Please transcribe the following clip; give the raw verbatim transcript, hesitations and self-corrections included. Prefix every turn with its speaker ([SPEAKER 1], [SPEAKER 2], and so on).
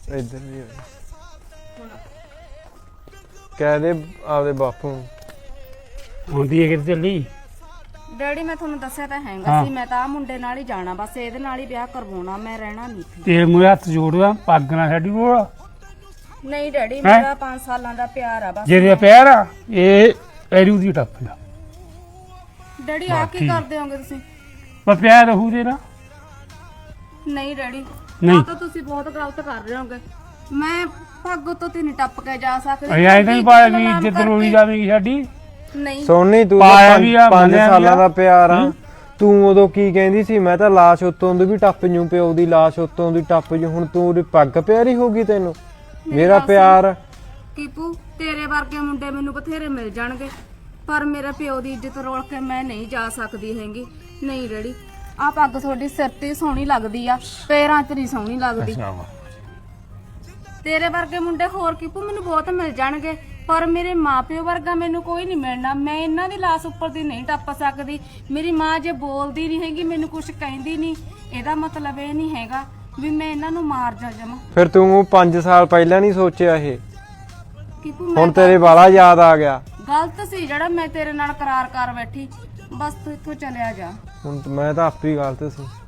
[SPEAKER 1] ਇੱਧਰ ਵੀ ਕਹਿ ਦੇ ਆਪਦੇ ਬਾਪੂ ਨੂੰ
[SPEAKER 2] ਆਉਂਦੀ ਹੈ ਕਿਤੇ ਚੱਲੀ
[SPEAKER 3] ਡੈਡੀ ਮੈਂ ਤੁਹਾਨੂੰ ਦੱਸਿਆ ਤਾਂ ਹੈਗਾ
[SPEAKER 2] ਹਾਂ।
[SPEAKER 3] ਸੀ ਮੈਂ ਤਾਂ ਆ ਮੁੰਡੇ ਨਾਲ ਹੀ ਜਾਣਾ ਬਸ ਇਹਦੇ ਨਾਲ ਹੀ ਵਿਆਹ ਕਰਵਾਉਣਾ ਮੈਂ ਰਹਿਣਾ ਨਹੀਂ ਸੀ।
[SPEAKER 2] ਤੇ ਮੂਰੇ ਹੱਥ ਜੋੜਦਾ ਪੱਗ ਨਾ ਸਾਡੀ ਕੋਲ
[SPEAKER 3] ਨਹੀਂ ਡੈਡੀ
[SPEAKER 2] ਹੈਂ?
[SPEAKER 3] ਮੇਰਾ ਪੰਜ ਸਾਲਾਂ ਦਾ ਪਿਆਰ ਆ ਬਸ।
[SPEAKER 2] ਜਿਹਦੇ ਪੈਰ ਆ ਇਹ ਐਰੂ ਦੀ ਟੱਪ ਜਾ
[SPEAKER 3] ਡੈਡੀ ਆ ਕੀ ਕਰਦੇ ਹੋਗੇ ਤੁਸੀਂ?
[SPEAKER 2] ਪਰ ਪਿਆਰ ਰਹੂ ਦੇ ਨਾ
[SPEAKER 3] ਨਹੀਂ ਡੈਡੀ
[SPEAKER 2] ਨਹੀਂ।
[SPEAKER 3] ਆ ਤਾਂ ਤੁਸੀਂ ਬਹੁਤ ਗਲਤ ਕਰ ਰਹੇ ਹੋਗੇ। ਮੈਂ ਪੱਗ ਤੋਂ ਤੇ ਨਹੀਂ ਟੱਪ ਕੇ ਜਾ ਸਕਦੀ।
[SPEAKER 2] ਅਸੀਂ ਐਂ ਤਾਂ ਨਹੀਂ ਪਾਇਆ ਵੀ ਇੱਜ਼ਤ ਰੋਲੀ ਜਾਵੇਗੀ ਸਾਡੀ।
[SPEAKER 3] ਨਹੀਂ
[SPEAKER 1] ਸੋਨੀ ਤੂੰ
[SPEAKER 2] ਪਾਇਆ ਵੀ ਆ,
[SPEAKER 1] ਪੰਜ
[SPEAKER 2] ਮੰਨਿਆ ਵੀ
[SPEAKER 1] ਸਾਲਾਂ
[SPEAKER 2] ਆ।
[SPEAKER 1] ਦਾ ਪਿਆਰ ਆ ਤੂੰ ਉਦੋਂ ਕੀ ਕਹਿੰਦੀ ਸੀ ਮੈਂ ਤਾਂ ਲਾਸ਼ ਉੱਤੋਂ ਦੀ ਵੀ ਟੱਪ ਜੂ ਪਿਓ ਦੀ ਲਾਸ਼ ਉੱਤੋਂ ਦੀ ਟੱਪ ਜੂ ਹੁਣ ਤੂੰ ਉਹਦੀ ਪੱਗ ਪਿਆਰੀ ਹੋ ਗਈ ਤੈਨੂੰ ਮੇਰਾ ਪਿਆਰ
[SPEAKER 3] ਕੀਪੂ ਤੇਰੇ ਵਰਗੇ ਮੁੰਡੇ ਮੈਨੂੰ ਬਥੇਰੇ ਮਿਲ ਜਾਣਗੇ ਪਰ ਮੇਰੇ ਪਿਓ ਦੀ ਇੱਜ਼ਤ ਰੋਲ ਕੇ ਮੈਂ ਨਹੀਂ ਜਾ ਸਕਦੀ ਹੈਗੀ। ਨਹੀਂ ਡੈਡੀ ਆ ਪੱਗ ਤੁਹਾਡੀ ਸਿਰ ਤੇ ਸੋਹਣੀ ਲੱਗਦੀ ਆ ਪੈਰਾਂ 'ਚ ਨਹੀਂ ਸੋਹਣੀ ਲੱਗਦੀ। ਤੇਰੇ ਵਰਗੇ ਮੁੰਡੇ ਹੋਰ ਕੀਪੂ ਮੈਨੂੰ ਬਹੁਤ ਮਿਲ ਜਾਣਗੇ ਪਰ ਮੇਰੇ ਮਾਪਿਓ ਵਰਗਾ ਮੈਨੂੰ ਕੋਈ ਨਹੀਂ ਮਿਲਣਾ। ਮੈਂ ਇਹਨਾਂ ਦੀ ਲਾਸ਼ ਉੱਪਰ ਦੀ ਨਹੀਂ ਟੱਪ ਸਕਦੀ। ਮੇਰੀ ਮਾਂ ਜੇ ਬੋਲਦੀ ਨਹੀਂ ਹੈਗੀ ਮੈਨੂੰ ਕੁਝ ਕਹਿੰਦੀ ਨਹੀਂ ਇਹਦਾ ਮਤਲਬ ਇਹ ਨਹੀਂ ਹੈਗਾ ਵੀ ਮੈਂ ਇਹਨਾਂ ਨੂੰ ਮਾਰ ਜਾ ਜਾਵਾਂ।
[SPEAKER 1] ਫਿਰ ਤੂੰ ਪੰਜ ਸਾਲ ਪਹਿਲਾਂ ਨਹੀਂ ਸੋਚਿਆ ਇਹ
[SPEAKER 3] ਕੀਪੂ ਮੈਂ
[SPEAKER 1] ਹੁਣ ਤੇਰੇ ਵਾਲਾ ਯਾਦ ਆ ਗਿਆ।
[SPEAKER 3] ਗਲਤ ਸੀ ਜਿਹੜਾ ਮੈਂ ਤੇਰੇ ਨਾਲ ਕਰਾਰ ਕਰ ਬੈਠੀ ਬਸ ਤੂੰ ਇੱਥੋਂ ਚਲਿਆ ਜਾ।
[SPEAKER 1] ਹੁਣ ਮੈਂ ਤਾਂ ਆਪੇ ਹੀ ਗਲਤ ਸੀ।